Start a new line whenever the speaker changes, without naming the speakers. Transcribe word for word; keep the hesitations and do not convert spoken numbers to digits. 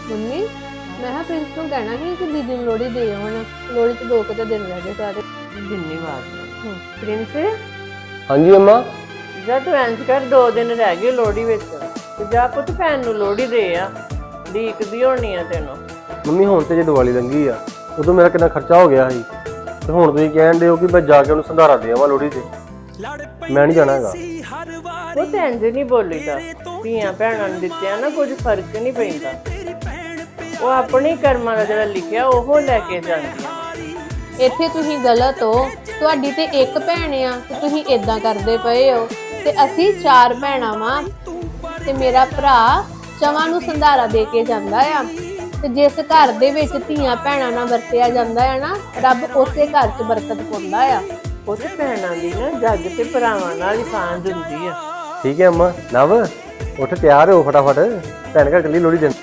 Mummy ਮੈਂ ਹਾਂ Prince ਨੂੰ ਕਹਿਣਾ ਸੀ ਕਿ ਦੀਦੀ ਨੂੰ ਲੋੜੀ ਦੇ ਆਉਣ। ਲੋੜੀ ਤੇ ਦੋ ਕੁ ਦਿਨ ਰਹਿ ਗਏ ਸਾਰੇ।
ਜਿੰਨੀ ਵਾਰ ਪ੍ਰਿੰਸ
ਹਾਂਜੀ ਅੰਮਾ।
ਜਦ ਤੂੰ ਇੰਜ ਕਰ ਦੋ ਦਿਨ ਰਹਿ ਗਏ ਲੋੜੀ ਵਿੱਚ ਤੇ ਜਾ ਪੁੱਤ ਭੈਣ ਨੂੰ ਲੋੜੀ ਦੇ ਆ। ਡੀਕਦੀ ਹੋਣੀ ਆ ਤੈਨੂੰ।
ਮੰਮੀ ਹੁਣ ਤੇ ਜੇ ਦੀਵਾਲੀ ਲੰਘੀ ਆ ਉਦੋਂ ਮੇਰਾ ਕਿੰਨਾ ਖਰਚਾ ਹੋ ਗਿਆ ਸੀ ਤੇ ਹੁਣ ਤੁਸੀਂ ਕਹਿਣ ਦੇ ਹੋ ਕਿ ਮੈਂ ਜਾ ਕੇ ਉਹਨੂੰ ਸੰਧਾਰਾ ਦੇ ਆਵਾਂ ਲੋੜੀ ਤੇ। ਮੈਂ ਨਹੀਂ ਜਾਣਾ ਹੈਗਾ।
ਉਹ ਤੇ ਇੰਜ ਨਹੀਂ ਬੋਲੀਦਾ। ਧੀਆਂ ਭੈਣਾਂ ਨੂੰ ਦਿੱਤਿਆ ਨਾ ਕੁਝ ਫਰਕ ਨਹੀਂ ਪੈਂਦਾ। ਉਹ ਆਪਣੇ ਕਰਮਾਂ ਦਾ ਜਿਹੜਾ ਲਿਖਿਆ ਉਹ ਲੈ ਕੇ ਜਾਂਦੀ ਆ।
ਇੱਥੇ ਤੁਸੀਂ ਗਲਤ ਹੋ। ਤੁਹਾਡੀ ਤੇ ਇੱਕ ਭੈਣ ਆ ਤੇ ਤੁਸੀਂ ਇਦਾਂ ਕਰਦੇ ਪਏ ਹੋ ਤੇ ਅਸੀਂ ਚਾਰ ਭੈਣਾਂ ਵਾਂ ਤੇ ਮੇਰਾ ਭਰਾ ਚਵਾਂ ਨੂੰ ਸੰਧਾਰਾ ਦੇ ਕੇ ਜਾਂਦਾ ਆ। ਤੇ ਜਿਸ ਘਰ ਦੇ ਵਿੱਚ ਧੀਆਂ ਭੈਣਾਂ ਨਾਲ ਵਰਤਿਆ ਜਾਂਦਾ ਹੈ ਨਾ, ਰੱਬ ਉਸੇ ਘਰ 'ਚ ਬਰਕਤ ਪਾਉਂਦਾ ਆ।
ਉਹ ਤੇ ਭੈਣਾਂ ਦੀ ਨਾ ਜੱਗ ਤੇ ਭਰਾਵਾਂ ਨਾਲ ਹੀ ਸਾਂਝ ਹੁੰਦੀ ਆ।
ਠੀਕ ਹੈ ਅੰਮਾ। ਨਵ ਉੱਠ ਤਿਆਰ ਹੋ ਫਟਾਫਟ, ਭੈਣ ਘਰ ਚੱਲੀ ਲੋੜੀ ਦੇਣ।